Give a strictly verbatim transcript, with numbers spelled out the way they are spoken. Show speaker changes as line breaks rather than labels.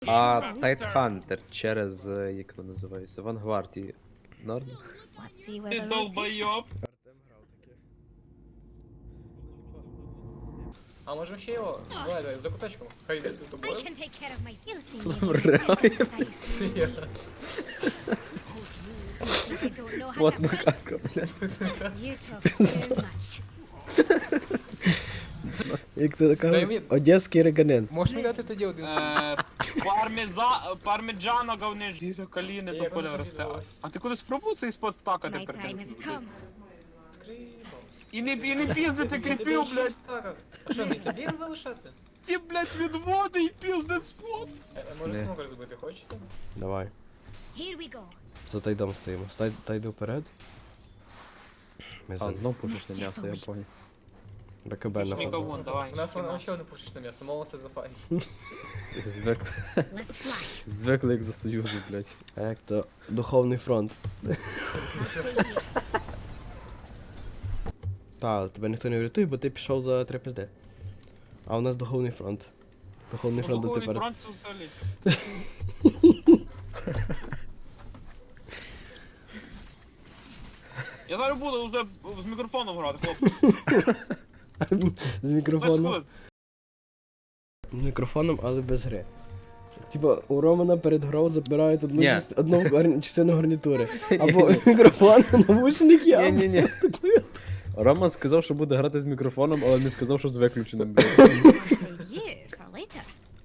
А Тайтхантер через, е, як воно називається, Вангвардії. Норм?
Let's see where
Ти
the road takes
долбойоб.
us.
Артем грав таке. А може ще його? Давай, давай, за куточком. Хай йде за
I
тобою.
can take care of my you see me.
Реально?
Я.
I don't know how
Плотна
to fight.
катка, блядь.
You talk too much.
Дай
Як це кажуть?
мені-
Одеський реганен.
Можеш мені дати тоді один собі?
Е, Пармеза... Пармеджано говни жіро каліни,
Я
то поля
не
росте.
подивилась.
А ти куди спробуй цей спот стакати
My
перед
time
тим?
has come.
І не, і не піздити кріпів, блядь.
А що, мені тобі залишати?
Ті, блядь, відводи і піздить спот.
Е, е, Може
Не.
смокер зробити, хочете?
Давай.
Here we go.
За тайдом стоїмо. Стай, тайду вперед. Ми
А,
за
знов пушиш на м'ясо, я понял.
БКБ на
Пушніка
ходу.
вон, давай.
У нас воно ще одне пушечне м'ясо, мало це за фай.
Звик...
Let's fly.
Звикли як за Союзу, блядь.
А як то духовний фронт.
I'll stay here.
Та, тебе ніхто не врятує, бо ти пішов за три пизди. А у нас духовний фронт. Духовний фронт
Духовний
тепер.
фронт це взагалі. Я зараз буду вже з мікрофоном грати, хлопці.
З
Без
мікрофоном.
хвилин.
З мікрофоном, але без гри. Типа, у Романа перед грою забирають одну,
Ні.
част- одну гарні- частину гарнітури. Або мікрофон, навушники, або
Ні-ні-ні.
клавіатуру.
Рома сказав, що буде грати з мікрофоном, але не сказав, що з виключеним, блядь.